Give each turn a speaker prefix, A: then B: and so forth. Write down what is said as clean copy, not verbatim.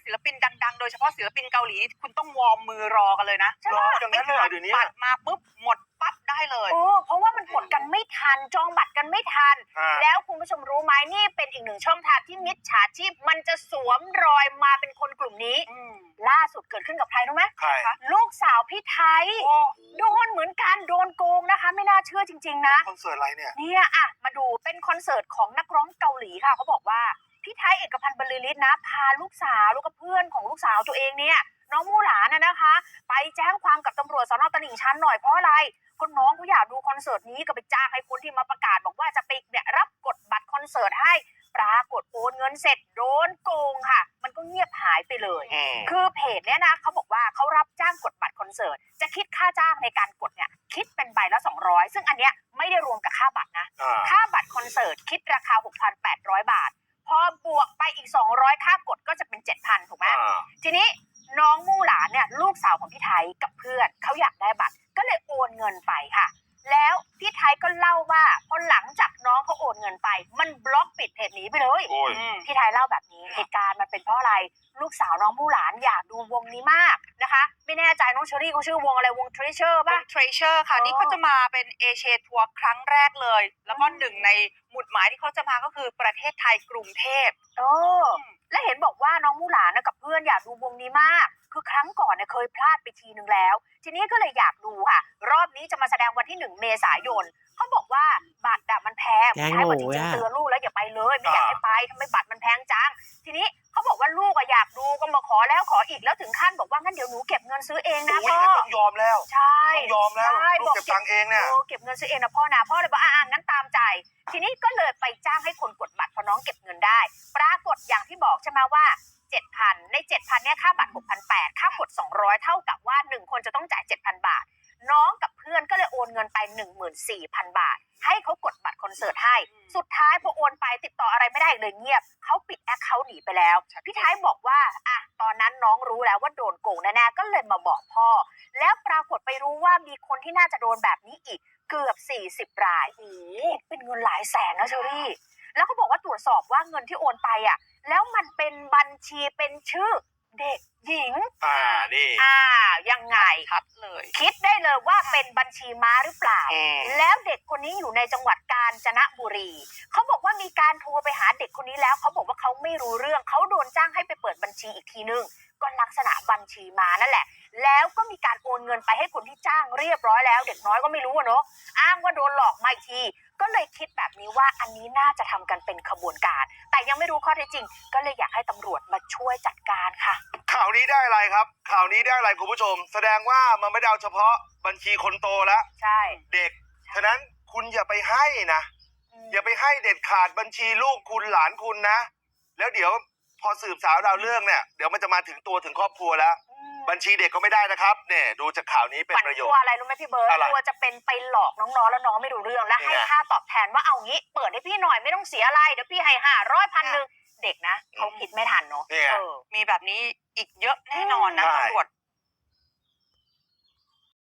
A: ศิลปินดังๆโดยเฉพาะศิลปินเกาหลีคุณต้องวอร์มมือรอกันเลยนะ
B: รออย่างนั้นเลยเดี๋ยวนี้
A: บัตรมาปุ๊บหมดปั๊บได้เลย
C: เพราะว่ามันกดกันไม่ทันจองบัตรกันไม่ทันแล้วคุณผู้ชมรู้ไหมนี่เป็นอีกหนึ่งช่องทางที่มิจฉาชีพมันจะสวมรอยมาเป็นคนกลุ่มนี้ล่าสุดเกิดขึ้นกับใครรู้ไหม
B: ใคร
C: ลูกสาวพี่ไทยโดนเหมือนกันโดนโกงนะคะไม่น่าเชื่อจริงๆนะ
B: คอนเสิร์ตอะไรเนี่ย
C: อ่ะมาดูเป็นคอนเสิร์ตของนักร้องเกาหลีค่ะเขาบอกว่าพี่ไทยเอกพันธ์บรรลือฤทธิ์นะพาลูกสาวแล้วก็เพื่อนของลูกสาวตัวเองเนี่ยน้องมู่หลานนะคะไปแจ้งความกับตำรวจสน.ตลิ่งชันหน่อยเพราะอะไรคนน้องเขาอยากดูคอนเสิร์ตนี้ก็ไปจ้างให้คนที่มาประกาศบอกว่าจะไปเนี่ยรับกดบัตรคอนเสิร์ตให้ปรากฏโอนเงินเสร็จโดนโกงค่ะมันก็เงียบหายไปเลยคือเพจเนี้ยนะเขาบอกว่าเขารับจ้างกดบัตรคอนเสิร์ตจะคิดค่าจ้างในการกดเนี่ยคิดเป็นใบละ200ซึ่งอันเนี้ยไม่ได้รวมกับค่าบัตรนะค่าบัตรคอนเสิร์ตคิดราคา 6,800 บาทพอบวกไปอีก200ค่ากดก็จะเป็น 7,000 ถูกไหมทีนี้น้องมู่หลานเนี่ยลูกสาวของพี่ไทยกับเพื่อนเขาอยากได้บัตรก็เลยโอนเงินไปค่ะแล้วพี่ไทยก็เล่าว่าพอหลังจากน้องเขาโอนเงินไปมันบล็อกปิดเพจนี้ไปเลยพี่ไทยเล่าแบบนี้เหตุการณ์มันเป็นเพราะอะไรลูกสาวน้องมู่หลานอยากดูวงนี้มากนะคะไม่แน่ใจน้องเชอรี่เขาชื่อวงอะไรวง Treasure ป่ะ
A: Treasure ค่ะนี่เขาจะมาเป็นเอเชียทัวร์ครั้งแรกเลยแล้วก็หนึ่งในหมุดหมายที่เขาจะมาก็คือประเทศไทยกรุงเทพ
C: และเห็นบอกว่าน้องมู่หลานกับเพื่อนอยากดูวงนี้มากคือครั้งก่อนเคยพลาดไปทีนึงแล้วทีนี้ก็เลยอยากดูค่ะรอบนี้จะมาแสดงวันที่1 เมษายนเขาบอกว่าบัตรมันแพงใช่ว่าจริงๆเตือนลูกแล้วอย่าไปเลยไม่อยากให้ไปทำไมบัตรมันแพงจังทีนี้เขาบอกว่าลูกอยากดูก็มาขอแล้วขออีกแล้วถึงขั้นบอกว่างั้นเดี๋ยวหนูเก็บเงินซื้อเองนะพ่อ
B: ต้องยอมแล้ว
C: ใช่
B: ต้องยอมแล้วลูกเก็บตังค์เองเนี่ย
C: เก็บเงินซื้อเองนะพ่อเลยบอกงั้นตามใจทีนี้ก็เลยไปจ้างให้คนกดบัตรพอน้องเก็บเงินได้ปรากฏอย่างที่บอกใช่ไหมว่า7,000 ใน 7,000 เนี่ยค่าบัตร 6,800 ค่ากด200เท่ากับว่า1คนจะต้องจ่าย 7,000 บาทน้องกับเพื่อนก็เลยโอนเงินไป 14,000 บาทให้เขากดบัตรคอนเสิร์ตให้สุดท้ายพอโอนไปติดต่ออะไรไม่ได้เลยเงียบเขาปิดแอคเคาท์หนีไปแล้วพี่ท้ายบอกว่าตอนนั้นน้องรู้แล้วว่าโดนโกงแน่ๆก็เลยมาบอกพ่อแล้วปรากฏไปรู้ว่ามีคนที่น่าจะโดนแบบนี้อีกเกือบ40 รายเป็นเงินหลายแสนนะเชอรี่แล้วเขาบอกว่าตรวจสอบว่าเงินที่โอนไปแล้วมันเป็นบัญชีเป็นชื่อเด็กหญิง
B: นี่
C: ยังไง
A: ครับเลย
C: คิดได้เลยว่าเป็นบัญชีม้าหรือเปล่าแล้วเด็กคนนี้อยู่ในจังหวัดกาญจนบุรีเขาบอกว่ามีการโทรไปหาเด็กคนนี้แล้วเขาบอกว่าเขาไม่รู้เรื่องเขาโดนจ้างให้ไปเปิดบัญชีอีกทีนึงก็ลักษณะบัญชีม้านั่นแหละแล้วก็มีการโอนเงินไปให้คนที่จ้างเรียบร้อยแล้วเด็กน้อยก็ไม่รู้เนอะอ้างว่าโดนหลอกมาอีกทีก็เลยคิดแบบนี้ว่าอันนี้น่าจะทำกันเป็นขบวนการแต่ยังไม่รู้ข้อเท็จจริงก็เลยอยากให้ตำรวจมาช่วยจัดการค่ะ
B: ข่าวนี้ได้อะไรครับข่าวนี้ได้อะไรคุณผู้ชมแสดงว่ามันไม่ได้เอาเฉพาะบัญชีคนโตแล้ว
C: ใช่
B: เด็กฉะนั้นคุณอย่าไปให้นะอย่าไปให้เด็ดขาดบัญชีลูกคุณหลานคุณนะแล้วเดี๋ยวพอสืบสาวเราเรื่องเนี่ยเดี๋ยวมันจะมาถึงตัวถึงครอบครัวแล้วบัญชีเด็กก็ไม่ได้นะครับเนี่ยดูจากข่าวนี้เป็นประโยชน์
C: กลัวอะไรรู้ไหมพี่เบิร์ตกลัวจะเป็นไปหลอกน้องๆแล้วน้องไม่รู้เรื่องและให้ค่าตอบแทนว่าเอางี้เปิดให้พี่หน่อยไม่ต้องเสียอะไรเดี๋ยวพี่ให้500 1,000เด็กนะเขาคิดไม่ทันเนาะ
A: มีแบบนี้อีกเยอะแน่นอนนะตำรวจ